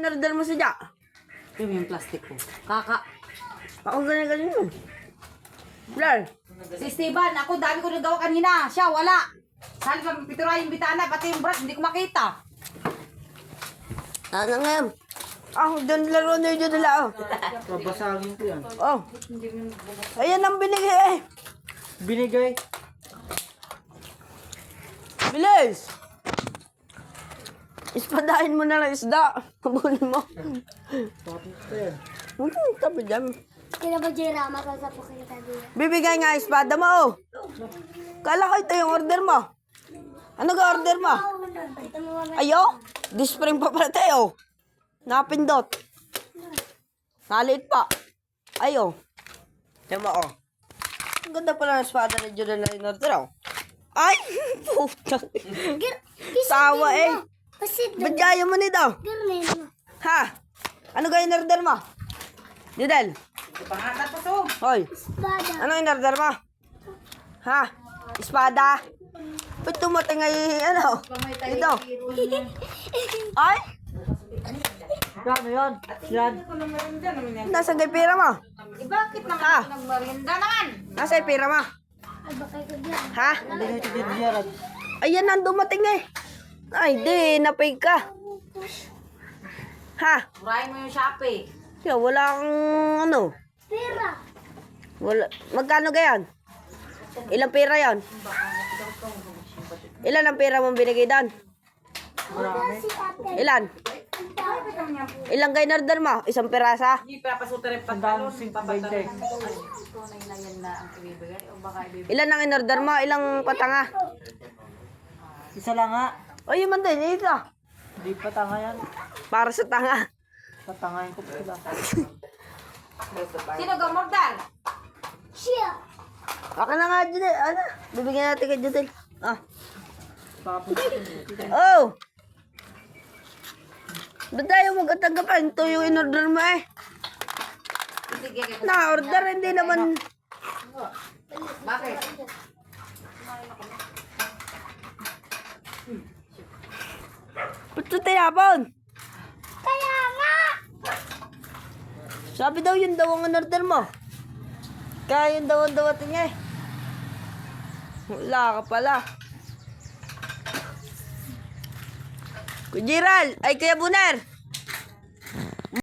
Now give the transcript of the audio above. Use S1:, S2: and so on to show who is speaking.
S1: in-order mo sa Jack?
S2: Ito yung plastic ko. Kaka.
S1: Ako ganyan yun. Blur.
S2: Si Esteban, ako dami ko nagawa kanina. Siya, wala. Sali pa pitura yung bitana, pati yung brush, hindi ko makita.
S1: Ano nga yan? Doon laro na yun nila, oh.
S3: Babasagin ko yan.
S1: Oh. Ayan ang binigay, eh.
S3: Binigay.
S1: Bilis! Ispadahin mo na lang isda. Habulin mo.
S3: Tapos ko yan.
S1: Tabi dyan.
S4: Kaya ba Jerama sa po kayo tabi?
S1: Bibigay nga espada mo, oh. Kala ko ito yung order mo. Ano ka order mo? Ayo? Dispring pa pala tayo. Napindot. Nalit pa. Ayo. Tiyan mo, oh. Ang ganda pala ng espada ni Judah na in-order, oh. Ay! Puta. Tawa, eh. Ba't kaya mo nito? Ha? Ano ka in-order mo? Judel?
S2: Pangatat po to.
S1: Hoy. Ano in-order mo? Ha? Espada? Ba't tumating ay, ano? Ito. Ay?
S3: Gano yan? Yan.
S1: Nasaan kay pera mo?
S2: Bakit naman
S1: Ha?
S2: ako nagmarinda naman?
S1: Nasaan yung pera mo?
S4: Ay, baka ikaw dyan.
S1: Ha?
S3: Binigay ko dito Gerard.
S1: Ayan na dumating eh. Ay, di. Napay ka. Ha?
S2: Burahin mo yung Shopee.
S1: Kaya wala kang ano.
S4: Pera.
S1: Wala. Magkano gayan? Ilang pera yan? Ilan ang pera mong binigay doon?
S3: Marami.
S4: Si ate.
S1: Ilan? Ilang kayo in-order mo? Isang pirasa?
S2: Hindi papasuta rin
S3: Tandaan mo
S2: pantalon.
S3: 5.20.
S2: Tunay na yan na ang ibibigay o baka ibibigay.
S1: Ilan ang in-order mo? Ilang patanga?
S3: Isa lang nga.
S1: O, yun man din. Ito.
S3: Hindi pa tanga yan.
S1: Para sa tanga.
S3: Tatangayin ko pa sila.
S2: Sino gamordal?
S4: Siya.
S1: Akin na nga, Judel. Ano? Bibigyan natin kay Judel. Ah.
S3: Tapos
S1: Oh! Ba't tayo magkatanggapan? Ito yung in-order mo eh.
S2: Sige, kaya
S1: Na-order, hindi naman.
S2: bakit?
S1: Ba't ito tinapon?
S4: Kaya nga.
S1: Sabi daw yun daw ang in-order mo. Kaya yun daw ang dawating niya eh. Wala ka pala. Kuya Gerald, ay Kuya Buner.